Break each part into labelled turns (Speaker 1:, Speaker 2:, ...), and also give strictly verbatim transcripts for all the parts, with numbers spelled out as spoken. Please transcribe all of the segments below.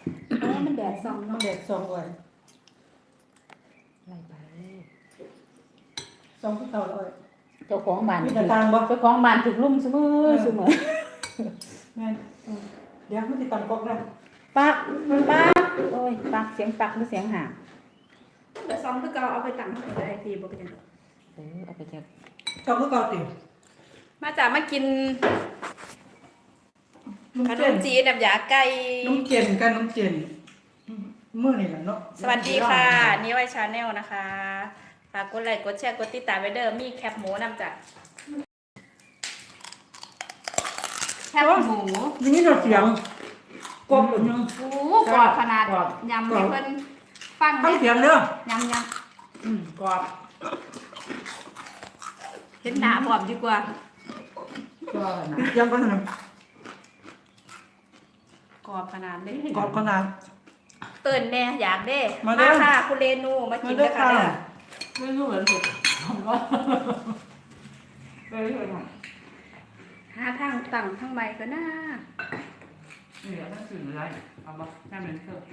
Speaker 1: เพราะว่ามันแดดส่อง
Speaker 2: มัน
Speaker 1: เนาะ
Speaker 2: เด็ดสองวัน
Speaker 3: ไล่ไป
Speaker 2: สองที่เก่าเลย
Speaker 3: เจ้าของบ้าน
Speaker 2: มีแต่ต่างบ่
Speaker 3: เจ้าของบ้านถึกลุ่มเสมอเสมอ
Speaker 2: แม่นอืมเดี๋ยวมันติดตามกอกนะ
Speaker 3: ปักปักโอ้ยปักเสียงปักหรือเสียงห่าง
Speaker 1: เดี๋ยวซองคือเก่าเอาไปตั้งไว้ได้ทีบ่เป็นหยัง
Speaker 3: เออเอาไปจาก
Speaker 2: เก่าก็เก่าติ
Speaker 1: มาจากมากิน
Speaker 2: นุ่ม
Speaker 1: ขน
Speaker 2: เจน
Speaker 1: มจีนน้ำยาไก่
Speaker 2: นุ่มเจนกันนุ่มเจนอืมมื้อนี่แหละเนาะ
Speaker 1: สวัสดีค่ะนี่ไวชาแนลนะคะฝากกดไลค์กดแชร์กดติดตามไว้เด้อมีแคปหมูนำจากแคปหมู
Speaker 2: นี่นี่เราเสียงกบแบบนึง
Speaker 1: โอ้กรอบขนาด
Speaker 2: กรอบ
Speaker 1: ยำให้เพิ่นฟัง
Speaker 2: ฟัง
Speaker 1: เด้
Speaker 2: เสียงเด้อย
Speaker 1: ำย
Speaker 2: อืมกรอบ
Speaker 1: ำเห็นหน้าพร้อมดีกว่า
Speaker 3: ก็นะ
Speaker 2: เสียงก็นั่น
Speaker 1: กรอบขนาดเลย
Speaker 2: กรอบขนาด
Speaker 1: เตื่นแน่อยากเด้
Speaker 2: มาเด้อ
Speaker 1: ค่ะคุณเรนูมากิน
Speaker 2: มาเด้
Speaker 1: ด้
Speaker 2: อ
Speaker 1: วยค่ะ
Speaker 2: ค่ะ
Speaker 1: เด้อ
Speaker 3: ไม่รู้เหมือนถูกทำว่าไม่รู้เหมือนกัน
Speaker 1: หาทางตั้งทางใหม่ก็น่า
Speaker 3: นี่เดี๋ยวต้องสื่ออะไรเอามาแค่เป็นเถอะ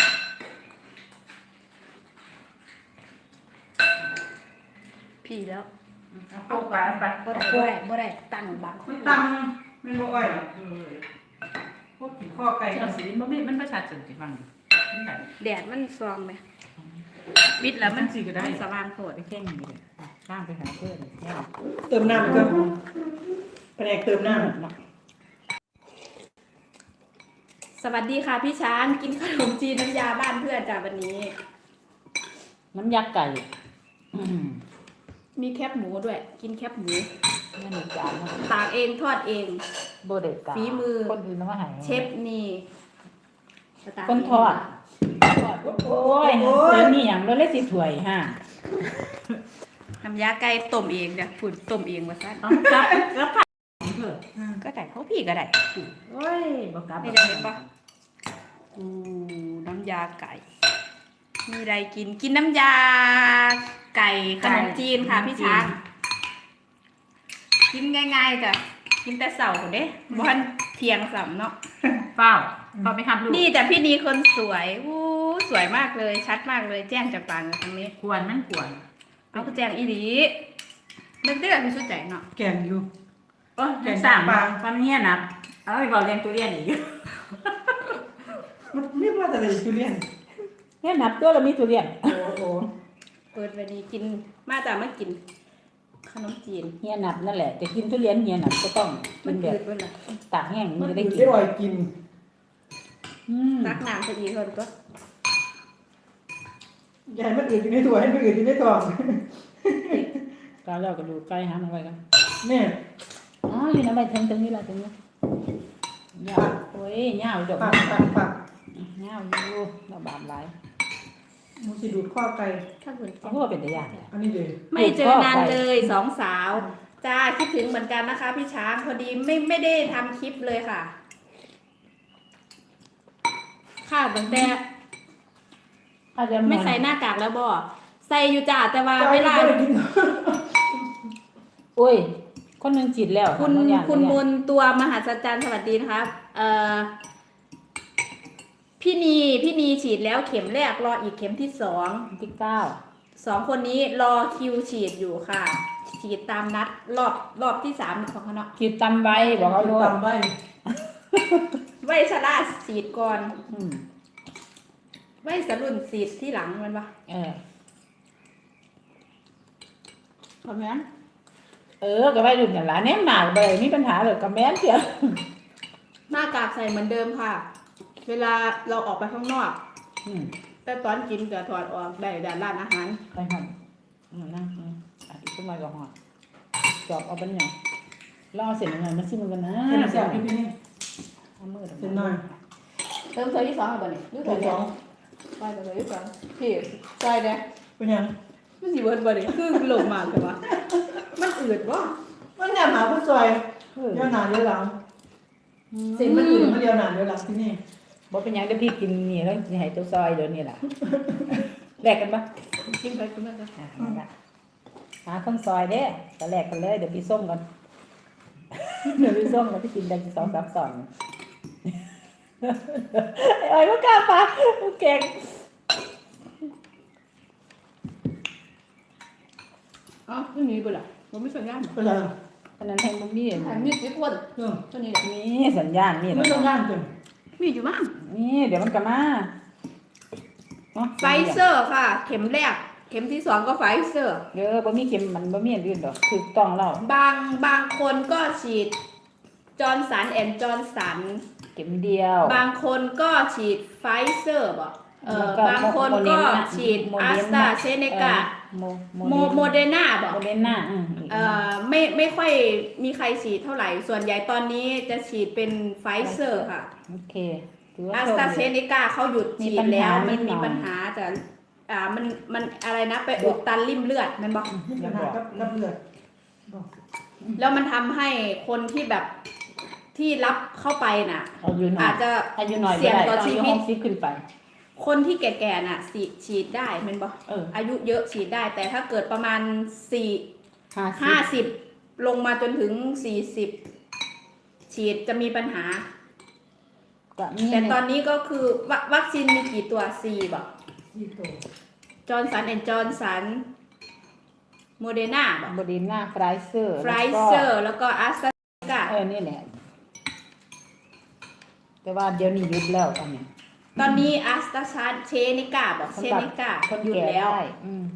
Speaker 1: พี่แล้ว
Speaker 3: เอาไปเอาไป
Speaker 1: บ่ได้บ่ได้บ่ได้ตั้งบัง
Speaker 2: มันตังมันบ่อ้อย
Speaker 3: เออ
Speaker 2: พวกขี้ข้อไก่
Speaker 3: เจ้าสีมันไม่มันประชาชนสิฟังนี่ไหน
Speaker 1: แดดมันซองไหมบิดแล้วมัน
Speaker 3: สิก็ได้
Speaker 1: สว่างโพด
Speaker 3: ไปแข่งนี่เลยข้ามไปหาเพื่อนแข่ง
Speaker 2: เติมน้ำก็แผนกเติมน้
Speaker 3: เนาะ
Speaker 1: สวัสดีค่ะพี่ช้างกินขนมจีนน้ำยาบ้านเพื่อนจ้าวันนี้
Speaker 3: น้ำยักษ์ไก่อืม
Speaker 1: มีแคบหมูด้วย กินแคบหมู
Speaker 3: นี่หนึ่งจานนะ
Speaker 1: ตากเองทอดเอง
Speaker 3: โบเด็กกา
Speaker 1: ฝีมือ
Speaker 3: คนอื่นน้ำมาหาย
Speaker 1: เชฟนี่ตาก
Speaker 3: คนทอด
Speaker 1: ทอด
Speaker 3: โอ้ยเดี๋ยวนี้อย่างเราเล่นสิถวยฮะ
Speaker 1: น้ำยาไก่ต้มเองเนี่ยฝุ่นต้มเองว่าซั่น
Speaker 3: เอากลับกลับผัดเถอะ
Speaker 1: ก็ได้เขาพี่ก็ได้
Speaker 3: โอ้ยบอกกลับ
Speaker 1: ไม่ได้เห็นปะ อูน้ำยาไก่ มีอะไรกิน กินน้ำยาไก่ขนมจีนค่ะพี่ช้าง กินง่ายๆจ้ะ กินแต่เสาร์เด้บอนเทียงสำเนาะ
Speaker 3: เปล่าพอไปทำลูก
Speaker 1: นี่แต่พี่นีคนสวยอู้สวยมากเลย ชัดมากเลย แจ้งจากปากเลยครั้งนี้
Speaker 3: ควรมันควร
Speaker 1: เอาคือแจ้งอีหลีมันเรื่องที่สุดใจเนาะ
Speaker 2: ำแกงอยู่
Speaker 3: โอ้ยยังสั่งมาฟันเนี้ยนะเอาไปบอกเรียนตัวเรียนอีก
Speaker 2: มันเรียกว่าอะไรจูเลียน
Speaker 3: เนี่ยนับตัวเรามีตัวเรียน
Speaker 2: โอ้โห
Speaker 1: เปิดวันนี้กิน มาจากมากิน ขนมจีน
Speaker 3: เฮียนับนั่นแหละจะกินทุเรียนเฮียนับก็ต้องกิ
Speaker 1: มัน
Speaker 3: นแบ
Speaker 1: เกิ
Speaker 3: บ
Speaker 1: ดด้วยล่ะ
Speaker 3: ตากแห้ง
Speaker 2: มั
Speaker 3: มัน
Speaker 2: น
Speaker 3: จะ
Speaker 2: ได้
Speaker 3: ได้
Speaker 2: กิ
Speaker 3: กิ
Speaker 2: น
Speaker 3: น
Speaker 2: ได้กิน
Speaker 3: อืม
Speaker 1: ตักน้ำพอดีคนก็
Speaker 2: อย่าให้มันอื่นอยู่ในตัวให้มันอื่นอยู่ในท้อง
Speaker 3: กาแล้วก็ดูใกล้หามันไว้กัน
Speaker 2: แม่
Speaker 3: อ๋ออยู่นะไปถึงตรงนี้ละตรงนี้ยาวโอ้ยยาวดอก
Speaker 2: ปักปักปัก
Speaker 3: ยาวอยู่เราบาดหลาย
Speaker 2: มันสิดูดข้อไก่
Speaker 1: ถ้าคุณ
Speaker 3: เขาพูดว่าเป็นตะยาน
Speaker 2: อันนี้เลย
Speaker 1: ไม่เจอนานเลยสองสาวจ้าคิดถึงเหมือนกันนะคะ พี่ช้างพอดีไม่ไม่ได้ทำคลิปเลยค่ะ ค่ะตั้งแต่
Speaker 3: ถ้าจะ
Speaker 1: ไม่ใส่หน้ากากแล้วบ่ใส่อยู่จ้าแต่ว่าเวลา
Speaker 2: ไม่ได้กิน
Speaker 3: โอ้ยคนหนึงจิตแล้ว
Speaker 1: คุณ
Speaker 3: ทำบางอย่าง
Speaker 1: คุณ
Speaker 3: บางอ
Speaker 1: ม
Speaker 3: ย่าง
Speaker 1: นตัวมหัศจรรย์สวัสดีนะคะเอ่อพี่นีพี่นีฉีดแล้วเข็มแรกรออีกเข็มที่สอง
Speaker 3: ที่เก้า
Speaker 1: สองคนนี้รอคิวฉีดอยู่ค่ะ ฉีดตามนัดรอบรอบที่สามของเขาเนาะ
Speaker 3: จิตตำใบบอกเอาโลด
Speaker 2: ตำไว้
Speaker 1: ไวชราฉีดก่อน
Speaker 3: อืม
Speaker 1: ไวสรุ่นฉีดที่หลังมันปะ
Speaker 3: เออ
Speaker 1: พร้อมยัง
Speaker 3: เออก็ไปรุ่นอย่างหลานแนมหนาไปเลยมีปัญหาเลยกับแม่นเสีย
Speaker 1: หน้ากากใส่เหมือนเดิมค่ะ เวลาเราออกไปข้างนอก
Speaker 3: อืม
Speaker 1: แต่ตอนกินจะถอดออกได้ด้านร้านอาหาร
Speaker 3: ไปหันอืมนั่งอืมอ่ะอีกขึ้นมาก็หอดจอบเอาเป็นอย่างล่อเสร็จยังไงมันซิมันกันนะ
Speaker 2: เส้นแซ่บพี่พี่นี่
Speaker 3: เอามือ
Speaker 2: เส้นน้อย
Speaker 1: เติมเซอร์ที่สองเอาบ่เนี่ยรู้
Speaker 2: ตั
Speaker 1: ตัว ว
Speaker 2: ส
Speaker 1: เนี่
Speaker 2: อย ง
Speaker 1: ไปเซอร์ที่สองพี่ใส่เนี่ย
Speaker 2: เป็นยัง
Speaker 1: มันสิเบิร์ดบ่เนี่ยคือหลงมากแต่ว่ามันอืดวะ
Speaker 2: มันเนี่ยหาผู้ซอย
Speaker 3: เออ
Speaker 2: เดียวหนาเดียวหลัง
Speaker 1: เสี
Speaker 2: สิ่
Speaker 1: ย
Speaker 2: ง
Speaker 1: ง
Speaker 2: มั
Speaker 1: มัน น
Speaker 2: อื่
Speaker 1: อื
Speaker 2: น
Speaker 1: ด
Speaker 2: มันเดียวหนาเดียวหลังที่นี่
Speaker 3: บอกเป็นหยังเดี๋ยวพี่กินนี่แล้วจะให้เจ้าซอยเดี๋ยวนี้แหละแลกกันปะ
Speaker 1: กินไปกินมาจ้ะ
Speaker 3: อ่ะนั่นล่ะหาคนซอยเด้ก็แลกกันเลยเดี๋ยวพี่ส้มกัน เดี๋ยวพี่ส้มกันพี่กินได้สองสามสอนไอ้อ้อยบ่กล้าปะเก่ง
Speaker 1: อ๋อตัวนี้บ่ล่ะผมไม่สัญญาณ
Speaker 2: เป็นไร
Speaker 3: อันนั้นแทงบ่มี
Speaker 1: อันนี้สิคน
Speaker 2: เออ
Speaker 1: ตัวนี้แหละ
Speaker 3: มีสัญญาณมี
Speaker 2: ไม่ต้องงานเต็ม
Speaker 1: มีอยู่มั้ง
Speaker 3: นี่เดี๋ยวมันก็มาเนาะ
Speaker 1: ไฟเซอร์ค่ะ เข็มแรก เข็มที่สองก็ไฟเซอร์
Speaker 3: เด้อบ่มีเข็มมันบ่มีอันอื่นดอกถูกต้องแล้ว
Speaker 1: บางบางคนก็ฉีดจอร์นสันแอนด์จอร์นสัน
Speaker 3: เข็มเดียว
Speaker 1: บางคนก็ฉีดไฟเซอร์บ่เออ
Speaker 3: แล้วก็
Speaker 1: บางคนก็ฉีด
Speaker 3: โม
Speaker 1: อา
Speaker 3: เด
Speaker 1: ส
Speaker 3: ร์
Speaker 1: ตรา
Speaker 3: นา
Speaker 1: เซเนกา
Speaker 3: โม
Speaker 1: โมโมเดนาบ่
Speaker 3: โมเดอร์นาอืม
Speaker 1: เอ่อไม่ไม่ค่อยมีใครฉีดเท่าไหร่ ส่วนใหญ่ตอนนี้จะฉีดเป็นไฟเซอร์ค่ะ
Speaker 3: โอเคถือว่า
Speaker 1: อาส
Speaker 3: โชค
Speaker 1: ตรา
Speaker 3: ดี
Speaker 1: เซเนกาเขาหยุดฉีดแล้ว
Speaker 3: มี
Speaker 1: มัน
Speaker 3: ปัญหานิดหน่
Speaker 1: มี
Speaker 3: อย
Speaker 1: ปัญหาแต่อ่ามันมันอะไรนะไปอุดตันริ่มเลือดมันบอก
Speaker 2: มีปัญหากับกับเลือดบอก
Speaker 1: แล้วมันทำให้คนที่แบบที่รับเข้าไปน่ะ
Speaker 3: อายุน้อ
Speaker 1: อาย จจะ
Speaker 3: อายุน้อย
Speaker 1: เสี่ยงต่อ
Speaker 3: บ่ได้
Speaker 1: ชี
Speaker 3: อายุ
Speaker 1: วิต
Speaker 3: หกสิบขึ้นไป
Speaker 1: คนที่แก่ๆน่ะฉีดฉีดได้มันบอก
Speaker 3: เออ
Speaker 1: อายุเยอะฉีดได้ แต่ถ้าเกิดประมาณสี่
Speaker 3: ห้า
Speaker 1: ห้า
Speaker 3: สิบ
Speaker 1: สิบลงมาจนถึงสี่สิบฉีดจะมีปัญหา
Speaker 3: ก็มี
Speaker 1: แต่ตอนนี้ก็คือวควัคซีนมีกี่ตัวสี่บอก
Speaker 2: ที่โต
Speaker 1: จอร์นสันแอนด์จอร์นสันโมเดนาบอก
Speaker 3: โมเดอร์นาไฟเซอร์
Speaker 1: ไฟเซอร์แล้วก็อาสตราเซเนกา
Speaker 3: เออนี่แหละแต่ว่าเดี๋ยวนี้หยุดแล้วอันนี้
Speaker 1: ตอนนี้อาสตราเซเนกาบอกเซเนกา
Speaker 3: คน
Speaker 1: หยุด
Speaker 3: แก่
Speaker 1: แล้ว
Speaker 3: ได้อืม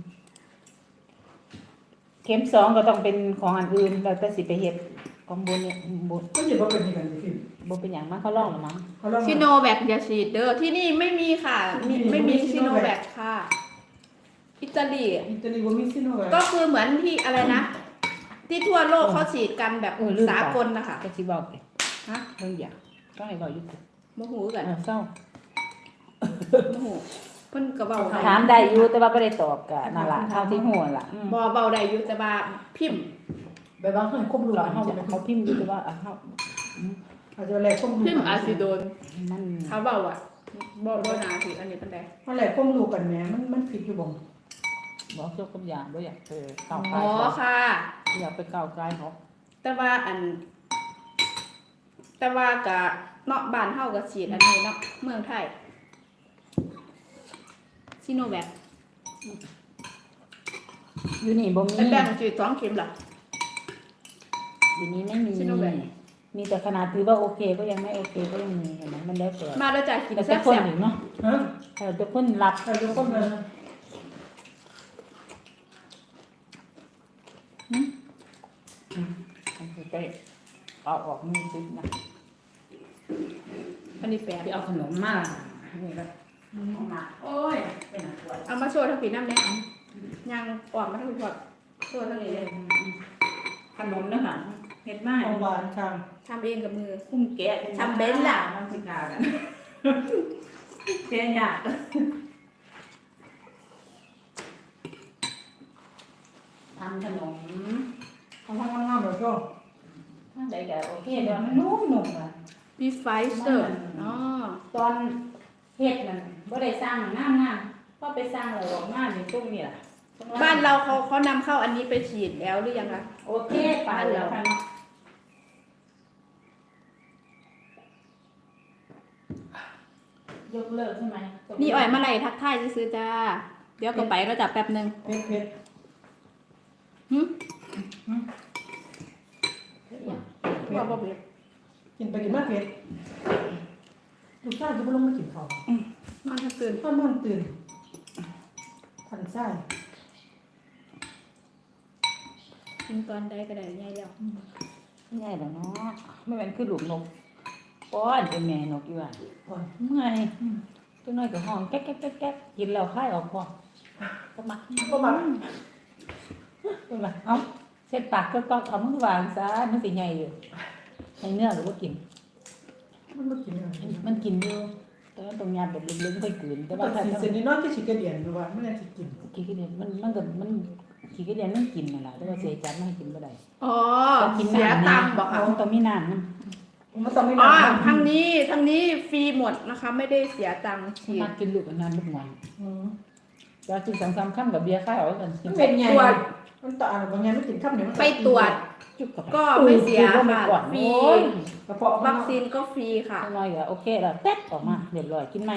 Speaker 3: เข็มสองก็ต้องเป็นของอันอื่นแล้วแต่สิไปเฮ็ดของบุญเนี่ยบุญ
Speaker 2: ก็อย่ามาเป็นอย่างนั้นสิ
Speaker 3: บุญเป็นอย่างมากเขาลองหรือมั้ง
Speaker 2: เขาลอง
Speaker 1: ซิโนแวคอย่าฉีดเด้อที่นี่ไม่มีค่ะมีไม่มีซิโนแวคค่ะ อิตาลี
Speaker 2: อิตาลีว่ามีซิโนแวค
Speaker 1: ก็คือเหมือนที่อะไรนะ ที่ทั่วโลกเขาฉีดกันแบบ
Speaker 3: เออลืมไป
Speaker 1: สากลนะคะ
Speaker 3: ก็สิบอกไป
Speaker 1: ฮะ
Speaker 3: เรื่องอย่างต้องให้บอกอยู่ติ
Speaker 1: โมโหกัน
Speaker 3: เออเศร้า
Speaker 1: โมโหเพิ่นก็เบาได้
Speaker 3: ถามได้อยู่แต่ว่าไม่ได้ตอบกะนั่นล่ะเท่าที่หัวล่ะอืม
Speaker 1: บอเบาได้อยู่แต่ว่าพิมพ์
Speaker 2: แบบบางคนควบรู้
Speaker 3: เรา
Speaker 2: หลัง
Speaker 3: เขา
Speaker 2: ใช่ไหม
Speaker 3: เขาพิมพ์อยู่แต่ว่าอ่ะเขา
Speaker 2: อาจจะแหลกควบรู้
Speaker 1: พิมพ์อาซิโดน
Speaker 3: มัน
Speaker 1: เขาเบาอ่ะบอบอนาถืออันนี้เป็นได
Speaker 2: มันแหลกควบรู้กันแหมมันมันผิดอยู่บ่
Speaker 3: บอกเจ้ากับอย่างบ่อยากไปก้าวไกล
Speaker 1: อ๋อ
Speaker 3: เขา
Speaker 1: ค่ะ
Speaker 3: อยากไปก้าวไกลเขา
Speaker 1: แต่ว่าอัน แต่ว่ากะเนาะบ้านเฮาก็ฉีดอันนี้เนาะเมืองไทยซิโนแวค
Speaker 3: อยู่นี่บ่มี
Speaker 1: ไอ้แบงค์ฉีดสองเข็มล่ะ
Speaker 3: อยู่นี่ไม่มี
Speaker 1: ซิโนแวค
Speaker 3: มีแต่ขนาดถือว่าโอเคก็ยังไม่โอเคก็ยังมีเห็นไหมมันแล้วแต่
Speaker 1: มาแล้วจ้ะกิน
Speaker 3: แต่
Speaker 1: แซ่
Speaker 3: ทุกคน
Speaker 1: บ
Speaker 3: อยู่เนาะ
Speaker 2: ฮะ
Speaker 3: แต่ทุกคนรับ
Speaker 2: แต่ทุกคนเลย
Speaker 3: อืมไปเอาออกมือซินะ
Speaker 1: ๆอันนี้แปล
Speaker 3: ไปเอาขนมมานี่ก็เอามาโอ้ยเป็นหนักปวด
Speaker 1: เอามาโชว์ทั้งปีน้ำเนี่ยยังออกมาทั้งหมดโชว์ทั้งนี้เลย
Speaker 3: ขนมนะคะเห็ดไม้
Speaker 2: ของหวานค่ะ
Speaker 1: ทำเองกับมือ
Speaker 3: คุ้มแกะ
Speaker 1: ทำเบ้นล่ะ
Speaker 3: มันสิกากันแกะยากทำขนม
Speaker 2: ทำทำงามๆแบบก็
Speaker 3: ถ้าใดก็โอเคเดี๋ยวมันนุ่มๆอ่ะ
Speaker 1: บีไฟเซอร์อ๋อ
Speaker 3: ตอนเฮ็ดนั่นบ่ได้สร้างน้ำน้ำพอไปสร้างแล้วออกมานี่ตรงนี้ล่ะตง
Speaker 1: บ้านเราเขาเขานำเข้าอันนี้ไปฉีดแล้วหรือยังคะ
Speaker 3: โอเคไปแล้วค่ะเนาะยกเลิกใช่ไหม
Speaker 1: นี่อ่อยมาไหลทักทายซื้อๆจ้า เดี๋ยวก็ไปเราจับแป๊บหนึง
Speaker 2: เผ็ดเผ็ด
Speaker 1: หึ
Speaker 2: เผ็
Speaker 1: ว่า
Speaker 2: ด
Speaker 1: บ่เผ็ด
Speaker 2: กินไปกินมาเผ็ดลูกชายจะไปลงมากินข้าวน
Speaker 1: อนทั้งคืน
Speaker 2: ตอนนอนตื่นทันไส้
Speaker 1: กินตอนใดก็ได้ง่ายแล้ว
Speaker 3: ง่ายแล้วเนาะไม่แม่นคือลูกนกป้อนเป็นแม่นกอยู่ว่า
Speaker 2: ก่อน
Speaker 3: เมื่อยตัวน้อยก็ห้องแก๊กแก๊กแก๊กแก๊กกินแล้วคายออกพอก็มา
Speaker 2: ก็มา
Speaker 3: เป็นไรเอ้าเช็ดปากก็ต้องเอามือวางซะมันสิใหญ่อยู่ในเนื้อหรือว่ากิน
Speaker 2: มันมากินอะไร
Speaker 3: มันกินอยู่แต่ว่าตรงยาแบบลึกๆค่อยกลืนแต่
Speaker 2: แต่
Speaker 3: ว่า
Speaker 2: ว่า
Speaker 3: ถ้า
Speaker 2: สี
Speaker 3: ถ้า
Speaker 2: เซนนี่น้อยก็ชิกระเดียนดูว่าไม่ได้สิกิน
Speaker 3: ขี้กระเดียนมันมันก็มันขี้กระเดียนมันกินนั่นแหละแต่ว่าเสียจัดไม่ให้กินบ่ได้
Speaker 1: อ๋อ
Speaker 3: ต้องกิน
Speaker 1: เสีย
Speaker 3: น้ำ
Speaker 1: ตังค์บอกค่ะ
Speaker 3: มันต้องมีน้ำนะ
Speaker 2: มันต้องไม่
Speaker 1: อ๋อ
Speaker 2: นาน
Speaker 1: ทางนี้ทางนี้ฟรีหมดนะคะ ไม่ได้เสียตังค์ฉีด
Speaker 3: มากินลูกอันนั้นลูกหวาน
Speaker 2: อืม
Speaker 3: จะกินสองสามค่ำกับเบียร์ข้าวกันกิน
Speaker 2: เป็นไงมันต่ออะไรบางอย่างไม่ถึงข้ามเนี่ยมัน
Speaker 1: ไปตรวจ
Speaker 3: จุกกับ
Speaker 1: ก็ไม่เสีย
Speaker 3: ก็ไม่
Speaker 1: ค่ะ
Speaker 3: ก่อน
Speaker 1: ฟรี
Speaker 3: โอ้ย
Speaker 2: กระเพาะ
Speaker 1: วัคซีนก็ฟรีค่ะ
Speaker 3: น้อยก็โอเคแล้วแป๊ดออกมาเรียบร้อยกินไหม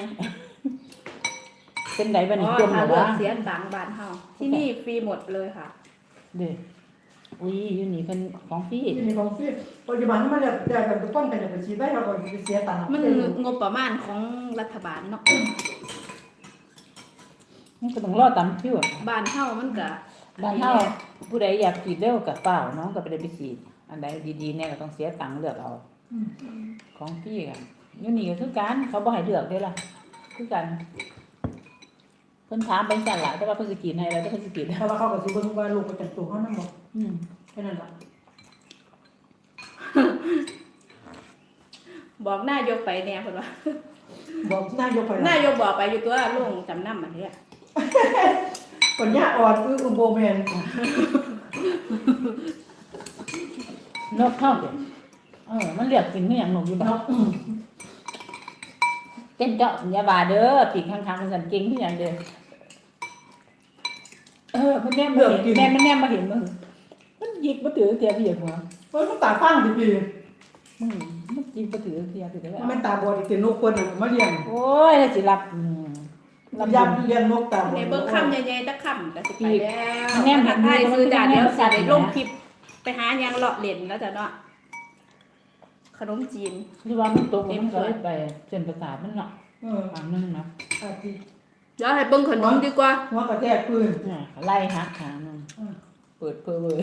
Speaker 3: เป็นไดบัน
Speaker 1: อ๋
Speaker 3: นี่
Speaker 1: อ
Speaker 3: จมห
Speaker 1: ถ้า
Speaker 3: รือ
Speaker 1: เลือ
Speaker 3: ว่าก
Speaker 1: เสียตังค์บานเฮาที่นี่ฟรีหมดเลยค่ะ
Speaker 3: เด้ออุ้ยอยู่นี่เป็นของพี่
Speaker 2: ที่มีของฟิปัจจุบันมันจะได้แบบป้องกันจะไปฉีดได้เราก็ไปเสียตังค์
Speaker 1: มันงบประมาณของรัฐบาลเนาะ
Speaker 3: มันก็ต้องรอตามคิวอะ
Speaker 1: บ้านเฮามันก็
Speaker 3: บ้านเฮาผู้ใดอยากฉีดเร็วกับเปล่าน้องก็ไปได้ไปฉีดอันใดดีๆเนี่ยก็ต้องเสียตังค์เลือกเอาของพี่กันอยู่นี่ก็คือกันเขาบ่ให้เลือกเด้ล่ะคือกันเพิ่นถามไปสั่นล่ะแต่ว่าเพิ่นสิกินให้แล้วแต่เพิ่นสิกิน
Speaker 2: เพราะว่าเขาก็สิเบิ่งว่าลูกประจำตัวเขานั่นบ่
Speaker 3: อืม
Speaker 2: แค่นั้นล่ะ
Speaker 1: บอกนายกไปแน่เพิ่นว่า
Speaker 2: บอกนายกไป
Speaker 1: นายกบอกไปอยู่ตัวลุงจำนำมันเนี่ย
Speaker 2: ปัญญาอ่อนคืออุโบแมน
Speaker 3: นกเข้าเด้เออมันเรียกกินคือหยังนกอยู่บ่
Speaker 2: เนาะ
Speaker 3: เต้นเจาะอย่าบาเด้อปีกข้างๆมันสั่นเก่งคือหยังเด้อเออมันแนมมาเห็นแม่มันแนมมาเห็นมึงมันหยิกบ่ถือเทียเพียหัว
Speaker 2: เพิ่นมันตาฟังดิพี่
Speaker 3: มึงมันหยิกบ่ถือเทียไปเลย
Speaker 2: มันตาบอดอีกแต่นกคนน่ะมาเลี้ยง
Speaker 3: โอ้ยแล้วสิรับอืม
Speaker 2: รับยับเลี้ยงนกตาบอด
Speaker 1: ในเบิ่งคำใหญ่ๆตะคำก็สิไปแล้ว
Speaker 3: แนมเห็น
Speaker 1: ไทยซื้อจานเดียวสิได้ลง
Speaker 3: นะ
Speaker 1: คลิปไปหายังเลาะเล่นแล้วจ้ะเนาะขนมจีน
Speaker 3: หรือว่ามันตกมันก็เลยไปเส้นประสาทมันเนาะ
Speaker 2: เออ
Speaker 3: อันนึงนะ
Speaker 2: อาทิ
Speaker 1: เดี๋ยวให้เบิ่งขนมดีกว่า
Speaker 2: หัวกระแทกพื้น
Speaker 3: เนี่ยไล่หักขานึง
Speaker 2: อืม
Speaker 3: เปิดเพ้อเว้ย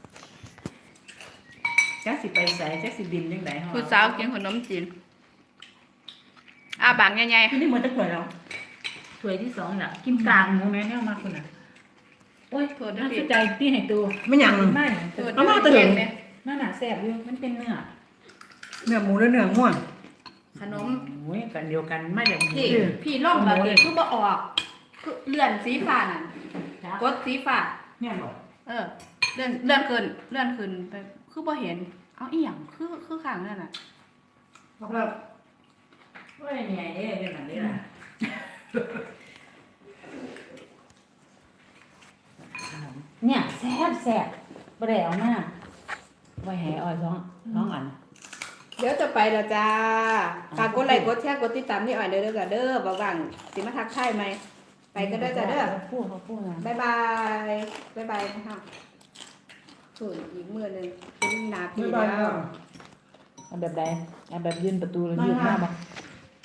Speaker 3: จักสิไปใส่จักสิบินจังได๋ฮะ
Speaker 1: ผู้สาวกินขนมจีนอ่าบางใหญ่
Speaker 2: ที่นี่เหมือนจะเกิดแล้ว
Speaker 3: ถ้วยที่สองน่ะกินกลางหมูแม่แนวมาคุณน่ะโอ้ย
Speaker 1: ๆโทษด้
Speaker 3: น่า
Speaker 1: วย
Speaker 3: สนใจพี่ให้ตัว
Speaker 2: ไม่หยัง
Speaker 3: ไม่
Speaker 1: โทษ
Speaker 2: เอามา
Speaker 1: ด้
Speaker 2: ตัว
Speaker 1: วย
Speaker 2: เห็น
Speaker 1: เนี่ย
Speaker 3: นั่นน่ะแซ่บอยู่มันเป็นเนื้อ
Speaker 2: เนื้อหมูและเนื้อง่วง
Speaker 1: ขนม
Speaker 3: โอ้ยกันเดียวกันไม่แบบ
Speaker 1: พี่พี่ล่องแบบนี้คือบ่ออกคือเลื่อนสีฟ้านั่นกดสีฟ้า
Speaker 3: เนี่ยบอก
Speaker 1: เออเลื่อนเลื่อนขึ้นเลื่อนขึ้นไปคือบ่เห็นเอาอีหยังคือคือข้างนั่นน่ะ
Speaker 2: ครับ
Speaker 3: โอ้ยเนี่ยเด้เรื่องนั้นเด้ล่ะเนี่ยแซ่บแซ่บบ่ได้เอามาไว้ให้อ้อยสองสองอัน
Speaker 1: เดี๋ยวจะไปแล้วจ้าฝากกดไลค์กดแชร์กดติดตามนี่อ่อยเด้อเด้อจ้ะเด้อบ่ว่างสิมาทักทายไหมไปก็ได้จ้ะเด้อ
Speaker 3: พูดเขาพูดนะ
Speaker 1: บ๊ายบายบ๊ายบายนะคะส่วนอีกมือหนึงเป็นหนาที
Speaker 2: ไม่บาย
Speaker 1: แล้
Speaker 2: แล้ว ว
Speaker 3: เอาแบบใดเอาแบบยืนประตูแล้วยืนหน้าบ่